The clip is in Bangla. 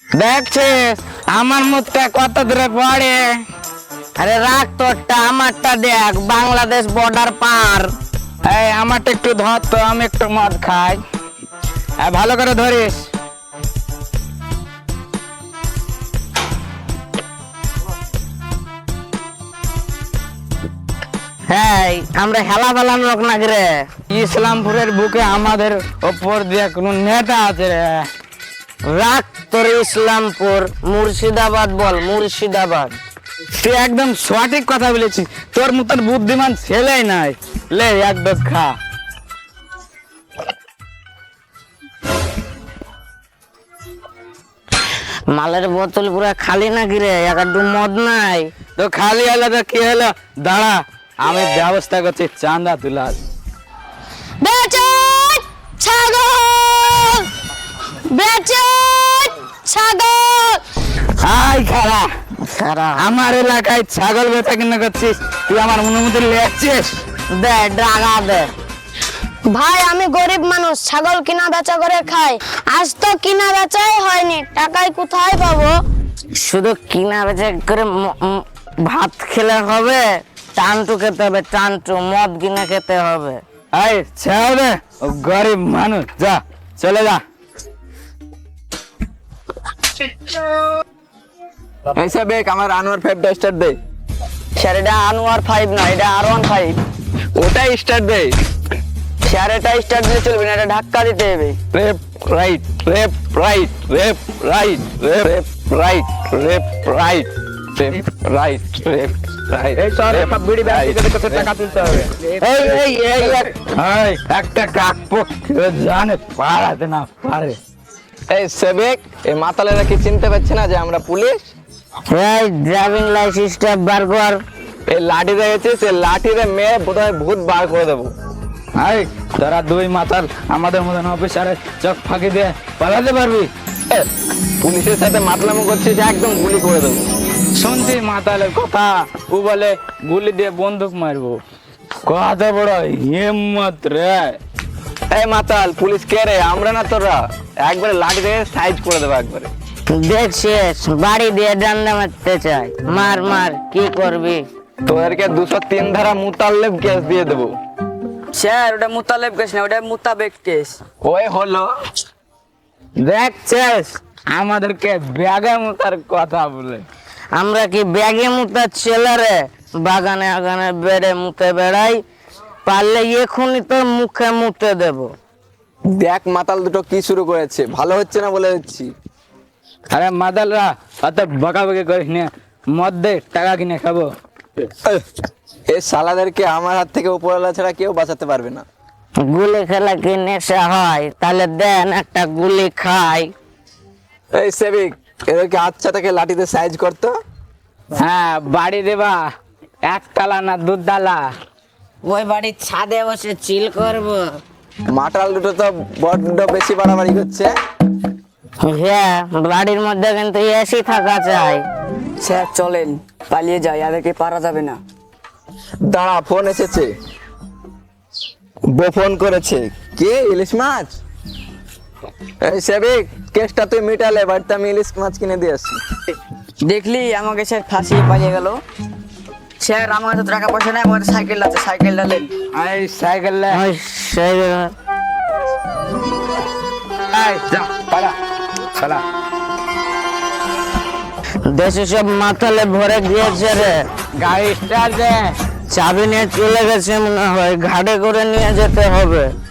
দেখছিস আমার মুখটা কত দূরে পড়ে। আরে রাখ তোরটা, আমারটা দেখ, বাংলাদেশ বর্ডার পার। এই আমারটা একটু ধর তো, আমি একটু মদ খাই। ভালো করে ধরিস। হ্যাঁ, আমরা হেলা ফেলাম লোক নাকি রে। ইসলামপুরের বুকে আমাদের ওপর দিয়ে কোনো নেতা আছে রে? রাখ তোর ইসলামপুর, মুর্শিদাবাদ বল, মুর্শিদাবাদ। তুই একদম সঠিক কথা বলেছিস, তোর মতন বুদ্ধিমান ছেলেই নাই। লে একদম খা। মালের বোতল পুরো খালি নাকি রে? একটু মদ নাই তো? খালি হলো তো কি হলো, দাঁড়া আমি ব্যবস্থা করছি চাঁদা তুলার। বেচন ছাগল, বেচন ছাগল। হাই খারা খারা, আমার এলাকায় ছাগল বেচা কিনা করছিস? তুই আমার অনুমতি লেখছিস? দে টাকা দে। ভাই আমি গরিব মানুষ, ছাগল কিনা বেচা করে খাই। আজ তো কিনা বেচাই হয়নি, টাকায় কোথায় পাবো? শুধু কিনা বেচা করে ভাত খেলে হবে? টানটু খেতে হবে, টানটু মদ কিনা খেতে হবে। এই ছেড়ে দে, ও গরিব মানুষ, যা চলে যা। ऐसा बेक আমার আনোয়ার 5 টা স্টার দে। স্যার এটা আনোয়ার 5 না, এটা R15। ওটাই স্টার দে। স্যার এটা স্টার্ট দিলে চলবে না, এটা ধাক্কা দিতে হবে। Rep right, rep right, rep right, rep right, rep right, rep right, rep right. এই সর একটা বিড়ি ব্যাগ থেকে কত টাকা তুলতে হবে। এই এই এই এই একটা কাকপো জানে পারাতে না পারে। এই সেবেক, এই মাতালেরা কি চিনতে পারছে না যে আমরা পুলিশ? এই ড্রাইভিং লাইসেন্সটা বার কর। এই লাঠি দেখেছিস, এই লাঠিরে মেয়ে বোধহয় ভূত বার করে দেবো। এই তোরা দুই মাতাল আমাদের মতন অফিসারের চোখ ফাঁকি দিয়ে পালাতে পারবি? পুলিশের সাথে মাতলামো করছিস, একদম গুলি করে দেবো। শুনছি মাতালের কথা, ও বলে গুলি দিয়ে বন্দুক মারবো। কত বড় হিম্মত রে! এই মাতাল, পুলিশ কে রে? আমরা না তোরা? একবারে লাঠি দিয়ে সাইজ করে দেবো একবারে। দেখছিস বাড়ি দিয়ে ডান্ডা মারতে চাই, মার মার, কি করবি? তোদেরকে 203 ধারা মুতাল্লেব কেস দিয়ে দেবো। স্যার ওটা মুতালেব কেস না, ওটা মুতাবেক কেস। ওই হলো। দেখছিস আমাদেরকে ব্যাগে মুতার কথা বলে। আমরা কি ব্যাগে মুতার ছেলে রে? বাগানে আগানে বেড়ে মুতে বেড়াই, পারলে এখনই তোর মুখে মুতে দেব। দেখ মাতাল দুটো কি শুরু করেছে, ভালো হচ্ছে না বলে দিচ্ছি। আরে মাতালরা অত বকাবকি করিস না, মদ দে, টাকা কিনে খাবো। এই শালাদেরকে আমার হাত থেকে উপরওয়ালা ছাড়া কেউ বাঁচাতে পারবে না। গুলি খেলা কি নেশা হয়? তাহলে দেন একটা গুলি খাই। এই সেবিক, এদেরকে আচ্ছা থেকে লাঠিতে সাইজ করতো। হ্যাঁ বাড়ি দেবা, একতলা না দুতলা? ওই বাড়ির ছাদে বসে চিল করব। মাতাল দুটো তো বড্ড বেশি বাড়াবাড়ি করছে। হ্যাঁ বাড়ির মধ্যে কিন্তু এসি থাকা চাই। স্যার চলেন পালিয়ে যাই, এদেরকে পারা যাবে না। দাঁড়া, ফোন এসেছে। ফোন করেছে কে? ইলিশ মাছ। এই সেবিক, কেসটা তুই মিটালে, বাড়িতে আমি ইলিশ মাছ কিনে দিয়ে আসছি। দেখলি আমাকে স্যার ফাঁসিয়ে পালিয়ে গেল। স্যার আমার কাছে তো টাকা পয়সা নেই, আমার সাইকেল আছে, সাইকেলটা নেন। এই সাইকেল লে, যা পালা পালা। দেশে সব মাথালে ভরে গিয়েছে রে। গাড়ি স্টার্ট দে, চাবি নিয়ে চলে গেছে মনে হয়, ঘাটে করে নিয়ে যেতে হবে।